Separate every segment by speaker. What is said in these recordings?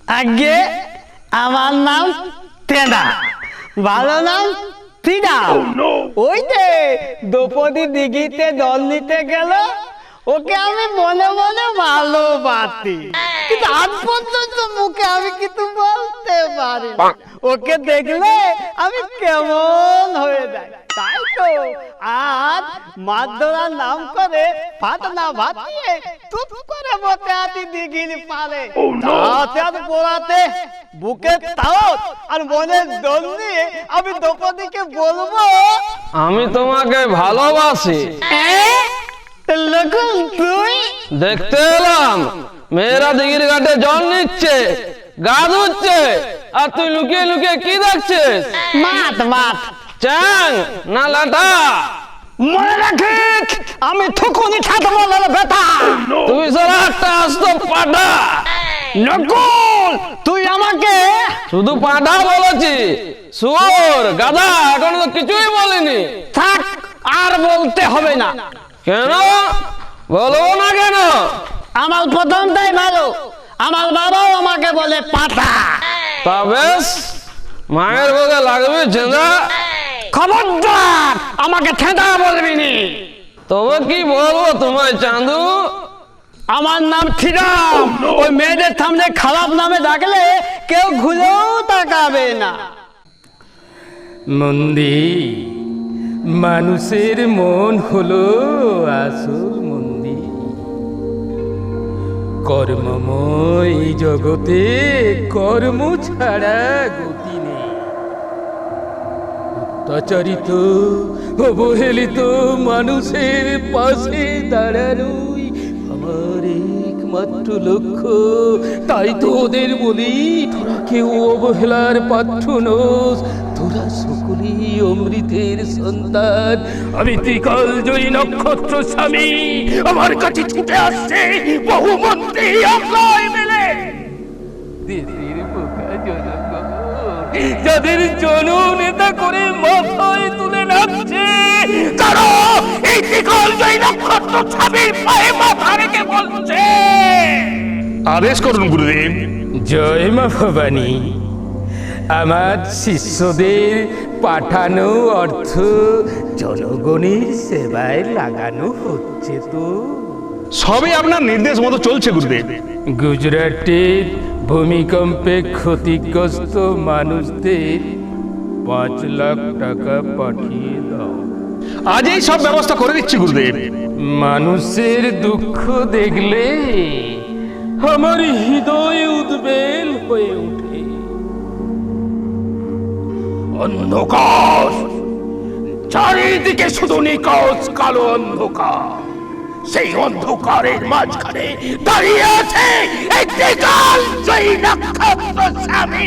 Speaker 1: আগে আমার নাম তেনা, ভালো নাম ফিডাও। ওই যে দ্রৌপদী দিঘিতে জল নিতে গেল, ওকে আমি মনে মনে ভালোবাসি, কিন্তু আজ পর্যন্ত মুখে আমি কিছু বলতে পারি না। ওকে দেখলে আমি কেমন হয়ে যাই। তাই তো আজ মাছ ধরার নাম করে ভাত না ভাতিয়ে চুপ করে বসে আছি দিঘির পারে। তাতে পোড়াতে বুকে তাও আর মনের দোল নিয়ে আমি দ্রৌপদীকে বলবো
Speaker 2: আমি তোমাকে ভালোবাসি।
Speaker 1: লকুন তুই
Speaker 2: দেখতে এলাম মেয়েরা দিঘির ঘাটে জল নিচ্ছে, গা ধুচ্ছে, আর তুই লুকিয়ে লুকিয়ে কি দেখছিস?
Speaker 1: মাত মাত
Speaker 2: চ্যাং না লাটা?
Speaker 1: মনে রাখিস আমি থুকুনি ছাড়বো না বেটা।
Speaker 2: তুই সারা একটা আস্ত পাটা।
Speaker 1: নকুল তুই আমাকে
Speaker 2: শুধু পাটা বলেছি, শুয়োর গাধা এখনো তো কিছুই বলিনি।
Speaker 1: থাক, আর বলতে হবে না।
Speaker 2: কেন বলবো না কেন?
Speaker 1: আমার প্রথমটাই ভালো, আমার বাবাও আমাকে বলে পাটা।
Speaker 2: তা বেশ, মায়ের বুকে লাগবে ছেঁদা।
Speaker 1: খবরদার আমাকে ছেঁদা বলবি নি।
Speaker 2: তবে কি বলবো তোমায় চাঁদু?
Speaker 1: আমার নাম ছিরাম। ওই মেয়েদের সামনে খারাপ নামে ডাকলে কেউ ঘুরেও তাকাবে না।
Speaker 3: মন্দির, মানুষের মন হলো আসল মন্দির। কর্মময় জগতে কর্ম ছাড়া গতি নেই। অত্যাচারিত অবহেলিত মানুষের পাশে দাঁড়ানোই আমার একমাত্র লক্ষ্য। তাই তো ওদের বলি, তোরা কেউ অবহেলার পাত্র নোস, তোরা সকলেই অমৃতের সন্তান। আমি ত্রিকাল জয়ী নক্ষত্র স্বামী, আমার কাছে ছুটে আসছে বহু মন্ত্রী আমলায় মেলে। দেশের বোকা জনগণ যাদের জননেতা করে মাথায় তুলে নাচছে, তারা এই ত্রিকাল জয়ী নক্ষত্র স্বামীর পায়ে মাথা রেখে বলছে,
Speaker 4: আদেশ করুন গুরুদেব।
Speaker 3: জয় মা ভবানী। আমার শিষ্যদের পাঠানো অর্থ জনগণের সেবায় লাগানো হচ্ছে তো।
Speaker 4: সবই আপনার নির্দেশ মতো চলছে গুরুদেব।
Speaker 3: গুজরাটের ভূমিকম্পে ক্ষতিগ্রস্ত মানুষদের 5 লাখ টাকা পাঠিয়ে দাও।
Speaker 4: আজই সব ব্যবস্থা করে দিচ্ছি গুরুদেব।
Speaker 3: মানুষের দুঃখ দেখলে আমার হৃদয় উদ্বেল হয়ে ওঠে। অন্ধকার, চারিদিকে শুধু নিকষ কালো অন্ধকার। সেই অন্ধকারের মাঝখানে দাঁড়িয়ে আছে একটি কাল জয়ী নক্ষত্র স্বামী।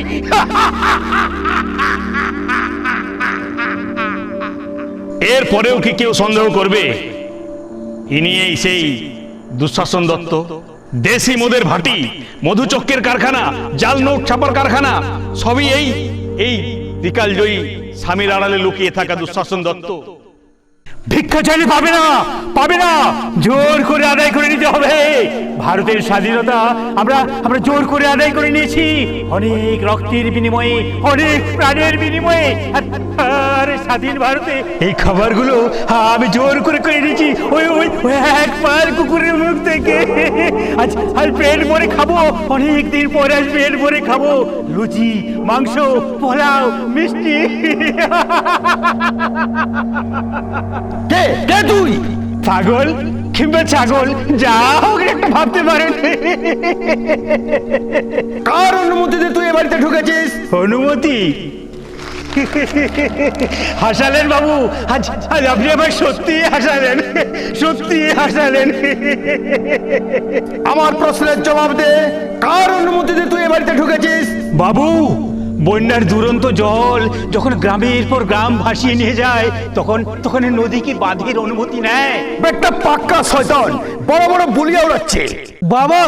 Speaker 4: এর পরেও কি কেউ সন্দেহ করবে ইনি এই সেই দুঃশাসন দত্ত? দেশি মদের ভাটি, মধুচক্রের কারখানা, জাল নোট ছাপার কারখানা, সবই এই বিকাল জয়ী স্বামীর আড়ালে লুকিয়ে থাকা দুঃশাসন দত্ত।
Speaker 5: ভিক্ষা চাইলে পাবে না, পাবে না, জোর করে আদায় করে নিতে হবে। ভারতের স্বাধীনতা আমরা জোর করে আদায় করে নিয়েছি, অনেক রক্তের বিনিময়ে, অনেক প্রাণের বিনিময়ে। আর স্বাধীন ভারতে এই খাবারগুলো আমি জোর করে করে নিয়েছি ওই ওই ওই এক পার কুকুরের মুখ থেকে। আজ পেট ভরে খাবো, অনেক দিন পরে আজ পেট ভরে খাবো। লুচি, মাংস, পোলাও, মিষ্টি। কে কে তুই? পাগল কিংবা ছাগল, যা হোক একটা ভাবতে পারেন। কার অনুমতিতে তুই এ বাড়িতে ঢুকেছিস? অনুমতি? হাসালেন বাবু, আজ আপনি আবার সত্যি হাসালেন, সত্যি হাসালেন। আমার প্রশ্নের জবাব দে, কার অনুমতিতে তুই এ বাড়িতে ঢুকেছিস? বাবু, বন্যার দুরন্ত জল যখন গ্রামের পর গ্রাম ভাসিয়ে নিয়ে যায়, তখন নদী কি বাঁধের অনুমতি নেয়? একটা পাক্কা শয়তান, বড় বড় বুলিয়া উড়াচ্ছে। বাবা,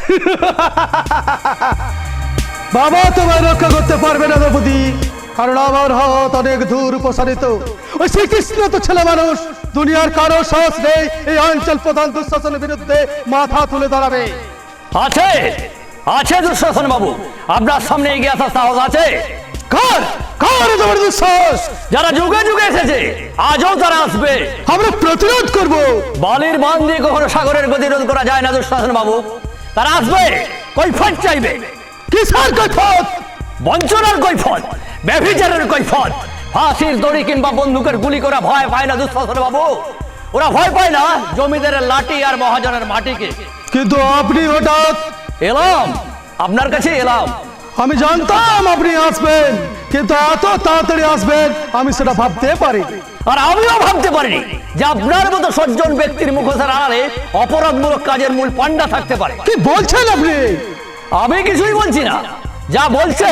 Speaker 5: বাবা তোমায় রক্ষা করতে পারবে না দ্রৌপদী, কারণ আমার হাত অনেক দূর প্রসারিত। ওই শ্রীকৃষ্ণ তো ছেলে মানুষ, দুনিয়ার কারো সাহস নেই এই অঞ্চল প্রধান দুঃশাসনের বিরুদ্ধে মাথা তুলে দাঁড়াবে।
Speaker 1: আছে
Speaker 6: আছে দুঃশাসন বাবু, আপনার সামনে এগিয়ে আসার সাহস আছে?
Speaker 2: কার কার এত বড় দুঃসাহস?
Speaker 6: যারা যুগে যুগে এসেছে আজও তারা আসবে।
Speaker 2: আমরা প্রতিরোধ করব।
Speaker 6: বালির বাঁধ দিয়ে কখনো সাগরের গতিরোধ করা যায় না দুঃশাসন বাবু। তারা আসবে, কৈফিয়ত চাইবে।
Speaker 2: কিসের কৈফিয়ত?
Speaker 6: বঞ্চনার কৈফিয়ত, ব্যভিচারের কৈফিয়ত। ফাঁসির দড়ি কিংবা বন্দুকের গুলি করা ভয় পায় না দুঃশাসন বাবু। ওরা ভয় পায় না জমিদারের লাঠি আর মহাজনের মাটিকে।
Speaker 2: কিন্তু আপনি হঠাৎ?
Speaker 6: এলাম, আপনার কাছে এলাম।
Speaker 2: আমি জানতাম আপনি আসবেন, কিন্তু এত তাড়াতাড়ি আসবেন আমি সেটা ভাবতে পারি।
Speaker 6: আর আমিও ভাবতে পারিনি যে আপনার মতো সজ্জন ব্যক্তির মুখোশের আড়ালে অপরাধমূলক কাজের মূল পান্ডা থাকতে পারে।
Speaker 2: কি বলছেন আপনি?
Speaker 6: আমি কিছুই বলছি না, যা বলছে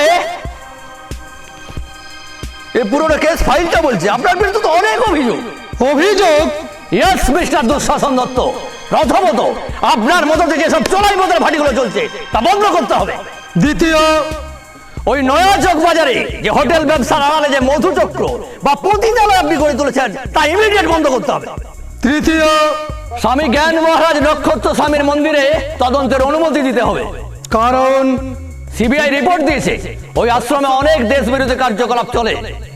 Speaker 6: এই পুরোনো কেস ফাইলটা বলছে। আপনার বিরুদ্ধে তো অনেক অভিযোগ।
Speaker 2: অভিযোগ?
Speaker 6: ইয়েস মিস্টার দুঃশাসন দত্ত, প্রথমত আপনার মতো থেকে সব চোরাই মদের ভাটিগুলো চলছে তা বন্ধ করতে হবে।
Speaker 2: দ্বিতীয়,
Speaker 6: ওই নয়া চক বাজারে যে হোটেল ব্যবসার আড়ালে যে মধুচক্র বা পতিতালয় আপনি গড়ে তুলেছেন তা ইমিডিয়েট বন্ধ করতে হবে।
Speaker 2: তৃতীয়,
Speaker 6: স্বামী জ্ঞান মহারাজ নক্ষত্র স্বামীর মন্দিরে তদন্তের অনুমতি দিতে হবে।
Speaker 2: কারণ
Speaker 6: সিবিআই রিপোর্ট দিয়েছে ওই আশ্রমে অনেক দেশ বিরোধী কার্যকলাপ চলে।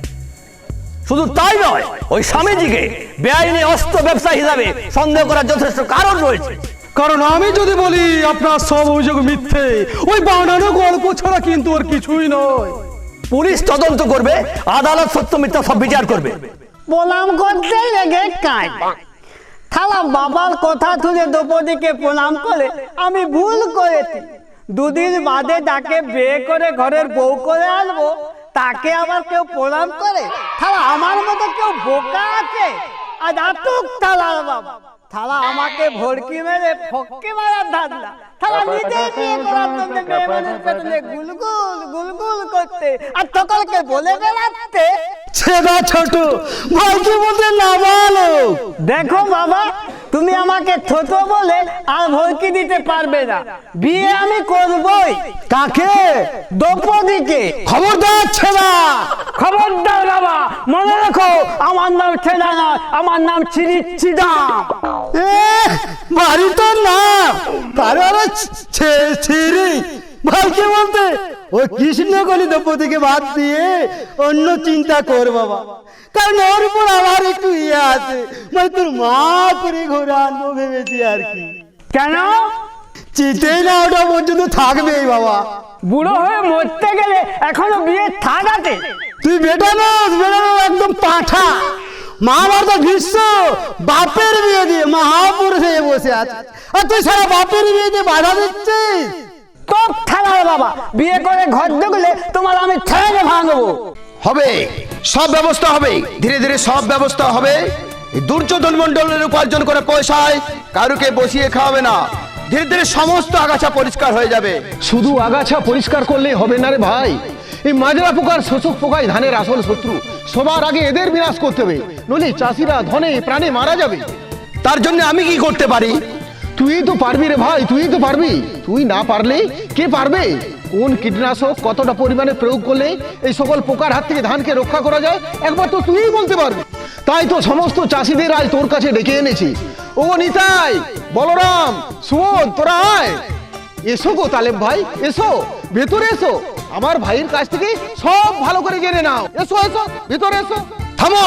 Speaker 6: শুধু তাই নয়, ওই স্বামীজিকে বেআইনি অস্ত্র ব্যবসা হিসাবে সন্দেহ করার যথেষ্ট কারণ রয়েছে।
Speaker 2: কারণ আমি যদি বলি আপনার সব অভিযোগ মিথ্যে, ওই বানানো গল্প ছাড়া কিন্তু ওর কিছুই নয়।
Speaker 6: পুলিশ তদন্ত করবে, আদালত সত্য মিথ্যা সব বিচার করবে।
Speaker 1: প্রণাম করতে লেগে কাজ থালা বাবার কথা তুলে দ্রৌপদীকে প্রণাম করে আমি ভুল করেছি। দুদিন বাদে তাকে বিয়ে করে ঘরের বউ করে আনবো, তাকে আবার কেউ প্রণাম করে? থালা আমার মতো কেউ বোকা আছে? আজ আতুক থালার বাবা, থালা আমাকে ভড়কি মেরে ফক্কে মারার ধান্দা। থালা নিজে বিয়ে করার জন্য মেয়েমানের পেছনে গুলগুল গুলগুল করতে আর সকলকে বলে বেড়াতে।
Speaker 2: ছেদা ছোট ভাইকে বলতে নাবালক।
Speaker 1: দেখো বাবা, তুমি আমাকে ছোট বলে আর ভর্তি দিতে পারবে না। বিয়ে আমি করবই।
Speaker 2: কাকে?
Speaker 1: দ্রৌপদীকে।
Speaker 2: খবরদার ছেদা!
Speaker 1: খবরদার বাবা, মনে রাখো আমার নাম ছেদা নয়, আমার নাম চিরিচিদাম।
Speaker 2: বাড়ি তোর নাম কারণ ছিরি ভাইকে বলতে ওই কৃষ্ণকলি দ্রৌপদীকে বাদ দিয়ে অন্য চিন্তা কর বাবা। কারণ ওর উপর আমার একটু ইয়ে আছে, মানে তোর মা করে ঘুরে আনবো ভেবেছি আর কি।
Speaker 1: কেন?
Speaker 2: চিতেই না ওটা পর্যন্ত থাকবেই বাবা।
Speaker 1: বুড়ো হয়ে মরতে গেলে এখনো বিয়ে থাকাতে?
Speaker 2: তুই বেটা নস, বেটা নস, একদম পাঠা। মহাভারত ভীষ্ম বাপের বিয়ে দিয়ে মহাপুরুষ হয়ে বসে আছে, আর তুই সারা বাপের বিয়ে দিয়ে বাধা দিচ্ছিস।
Speaker 1: তোর থালার বাবা, বিয়ে করে ঘর ঢুকলে তোমার আমি ছেড়ে ভাঙবো।
Speaker 3: হবে, সব ব্যবস্থা হবে, ধীরে ধীরে সব ব্যবস্থা হবে। এই দুর্যোধন মন্ডলের উপার্জন করে পয়সায় কারুকে বসিয়ে খাওয়াবে না। ধীরে ধীরে সমস্ত আগাছা পরিষ্কার হয়ে যাবে।
Speaker 7: শুধু আগাছা পরিষ্কার করলেই হবে না রে ভাই, এই মাজরা পোকার শোষক পোকাই ধানের আসল শত্রু। সবার আগে এদের বিনাশ করতে হবে, নইলে চাষিরা ধনে প্রাণে মারা যাবে।
Speaker 3: তার জন্য আমি কি করতে পারি?
Speaker 7: তুই তো পারবি রে ভাই, তুই তো পারবি। তুই না পারলে কে পারবে? কোন কীটনাশক কতটা পরিমাণে প্রয়োগ করলে এই সকল পোকার হাত থেকে ধানকে রক্ষা করা যায় একবার তো তুই বলতে পারবি। তাই তো সমস্ত চাষিদের আজ তোর কাছে ডেকে এনেছি। ও নিতাই, বলরাম, সুবোধ, তোরা আয়। এসো গো তালেব ভাই, এসো, ভেতরে এসো। আমার ভাইয়ের কাছ থেকে সব ভালো করে জেনে নাও। এসো এসো, ভেতরে এসো।
Speaker 3: থামো!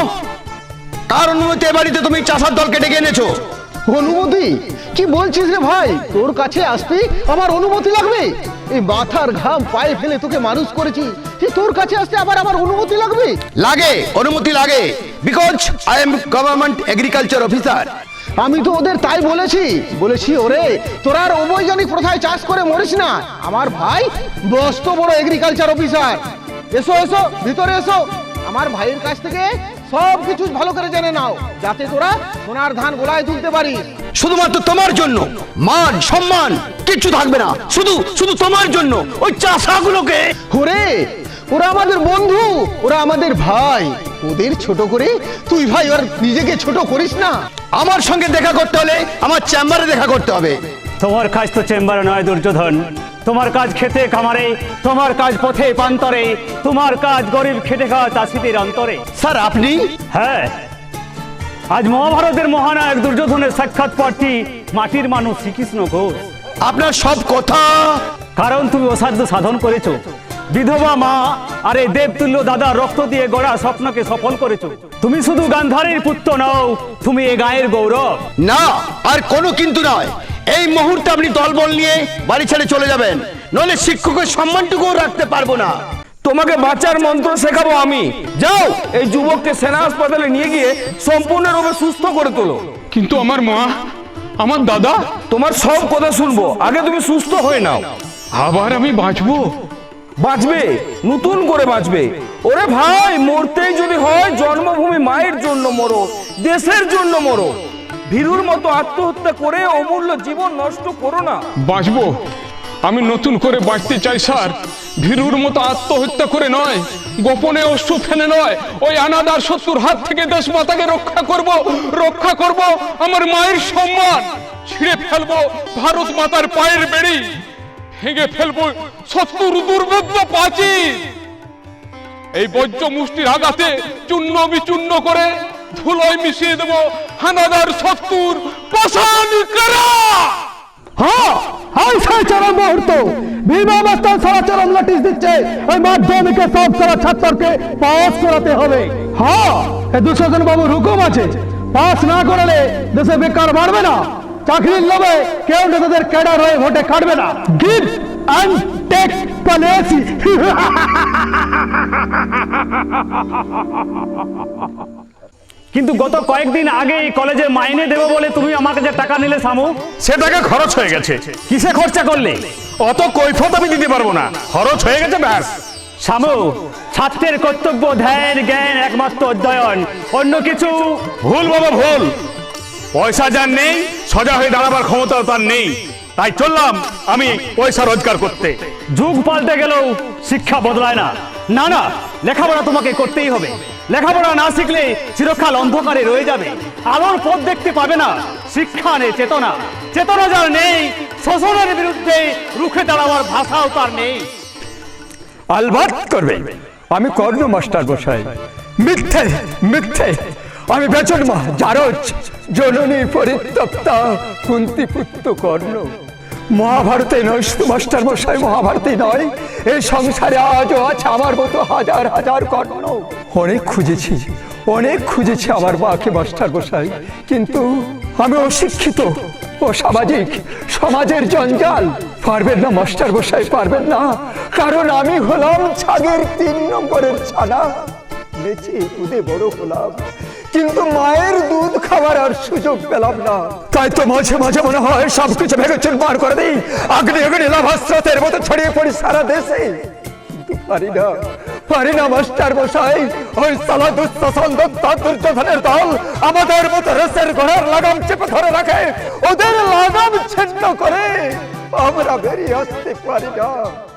Speaker 3: কার অনুমতি এ বাড়িতে তুমি চাষার দলকে ডেকে এনেছো?
Speaker 7: অনুমতি? কি বলছিস রে ভাই? তোর কাছে আসতে আমার অনুমতি লাগবে? এই মাথার ঘাম পায়ে ফেলে তোকে মানুষ করেছি, যে তোর কাছে আসতে আবার আমার অনুমতি লাগবে?
Speaker 3: লাগে, অনুমতি লাগে, because I am government agriculture officer.
Speaker 7: আমি তো ওদের তাই বলেছি ওরে তোরা আর অবৈজ্ঞানিক প্রথায় চাষ করে মরিস না। আমার ভাই মস্ত বড় এগ্রিকালচার অফিসার। এসো এসো, ভিতরে এসো। আমার ভাইয়ের কাছ থেকে সব কিছু ভালো করে জেনে নাও, যাতে তোরা সোনার ধান গোলায় তুলতে পারিস।
Speaker 3: শুধুমাত্র তোমার জন্য মান সম্মান কিচ্ছু থাকবে না, শুধু শুধু তোমার জন্য ওই চাষাগুলোকে।
Speaker 7: ওরে, ওরা আমাদের বন্ধু, ওরা আমাদের ভাই। ওদের ছোট করে তুই ভাই আর নিজেকে ছোট করিস না।
Speaker 3: আমার সঙ্গে দেখা করতে হলে আমার চেম্বারে দেখা করতে হবে।
Speaker 5: তোমার কাজ তো চেম্বারে নয় দুর্যোধন, তোমার কাজ খেতে খামারে, তোমার কাজ পথে প্রান্তরে, তোমার কাজ গরিব খেটে খাওয়া চাষিদের অন্তরে।
Speaker 3: স্যার আপনি?
Speaker 5: হ্যাঁ, আজ মহাভারতের মহানায়ক দুর্যোধনের সাক্ষাৎ প্রার্থী মাটির মানুষ শ্রীকৃষ্ণ ঘোষ।
Speaker 3: আপনার সব কথা
Speaker 5: কারণ তুমি অসাধ্য সাধন করেছো। বিধবা মা আর এই দেবতুল্য দাদা রক্ত দিয়ে গড়া স্বপ্নকে সফল করেছো। তুমি শুধু গান্ধারীর পুত্র নও, তুমি এ গায়ের গৌরব।
Speaker 3: না, আর কোনো কিন্তু নয়। এই মুহূর্তে আপনি দলবল নিয়ে বাড়ি ছেড়ে চলে যাবেন, নইলে শিক্ষকের সম্মানটুকুও রাখতে পারবো না।
Speaker 8: তোমাকে বাঁচার মন্ত্র শেখাবো আমি। যাও, এই যুবককে সেনা হাসপাতালে নিয়ে গিয়ে সম্পূর্ণরূপে সুস্থ করে তোলো।
Speaker 4: কিন্তু আমার মা, আমার দাদা,
Speaker 8: তোমার সব কথা শুনবো, আগে তুমি সুস্থ হয়ে নাও।
Speaker 4: আবার আমি বাঁচবো?
Speaker 8: বাঁচবে, নতুন করে বাঁচবে। ওরে ভাই, মরতেই যদি হয় জন্মভূমি মায়ের জন্য মরো, দেশের জন্য মরো। ভীরুর মতো আত্মহত্যা করে অমূল্য জীবন নষ্ট করো না।
Speaker 9: বাঁচবো, আমি নতুন করে বাঁচতে চাই স্যার। ভীরুর মতো আত্মহত্যা করে নয়, গোপনে অশ্রু ফেলে নয়, ওই অনাদার শত্রুর হাত থেকে দেশ মাতাকে রক্ষা করব আমার মায়ের সম্মান। ছিঁড়ে ফেলবো ভারত মাতার পায়ের বেড়ি, ভেঙে ফেলবো শত্রুর দুর্ভেদ্য প্রাচীর। এই বজ্র মুষ্টির আঘাতে চূর্ণ বিচূর্ণ করে ধুলোয় মিশিয়ে দেবো হানাদার শত্রুর পাষাণ কারা।
Speaker 2: হ্যাঁ, সেই চরম মুহূর্ত বিমা মাস্টার সারা চরম নোটিশ দিচ্ছে, ওই মাধ্যমিকের সব সারা ছাত্রকে পাস করাতে হবে। হ্যাঁ, এই দুঃশাসন বাবুর হুকুম আছে, পাস না করালে দেশে বেকার বাড়বে না, চাকরির লোভে কেউ নেতাদের ক্যাডার হয়ে ভোটে কাটবে না। Give and take policy.
Speaker 5: কিন্তু গত কয়েকদিন আগে এই কলেজে মাইনে দেবো বলে তুমি আমাকে যে টাকা নিলে শামু,
Speaker 4: সে টাকা খরচ হয়ে গেছে।
Speaker 5: কিসে খরচা করলে?
Speaker 4: অত কৈফত আমি দিতে পারবো না, খরচ হয়ে গেছে ব্যাস।
Speaker 5: শামু, ছাত্রের কর্তব্য ধ্যান জ্ঞান একমাত্র অধ্যয়ন, অন্য কিছু
Speaker 4: ভুল বাবা ভুল। পয়সা যার নেই, সোজা হয়ে দাঁড়াবার ক্ষমতা তার নেই। তাই চললাম আমি পয়সা রোজগার করতে।
Speaker 5: যুগ পাল্টে গেলেও শিক্ষা বদলায় না। না না, লেখাপড়া তোমাকে করতেই হবে। লেখাপড়া না শিখলে চিরকাল অন্ধকারে রয়ে যাবে, আলোর পথ দেখতে পাবে না। শিক্ষা নেই চেতনা, চেতনা যার নেই, শোষণের বিরুদ্ধে রুখে দাঁড়াবার ভাষাও তার নেই।
Speaker 10: আলবাত করবে, আমি কর্ণ মাস্টার বসাই। মিথ্যে মিথ্যে, আমি বেচন মা জারজ, জননী পরিত্যক্তা, কুন্তি পুত্র কর্ণ। মহাভারতে নয় শুধু মাস্টার মশাই, মহাভারতে নয়, এই সংসারে আজও আছে আমার মতো হাজার হাজার কর্ণ। অনেক খুঁজেছি আমার মাকে মাস্টার মশাই, কিন্তু আমি অশিক্ষিত, অসামাজিক, সমাজের জঞ্জাল। পারবেন না মাস্টার মশাই, পারবেন না, কারণ আমি হলাম ছাগের 3 নম্বরের ছানা। বেঁচে দুধে বড় হলাম, কিন্তু মায়ের দুধ খাবার আর সুযোগ পেলাম না। তাই তো মাঝে মাঝে মনে হয় সবকিছু ভেঙে চুরমার করে দিই, অগ্নি লাভাস্রোতের মতো ছড়িয়ে পড়ি সারা দেশে। কিন্তু পারি না মাস্টার মশাই। ওই সালা দুঃশাসন দুর্যোধনের দল আমাদের মতো রেসের ঘোড়ার লাগাম চেপে ধরে রাখে, ওদের লাগাম ছিন্ন করে আমরা বেরিয়ে আসতে পারি না।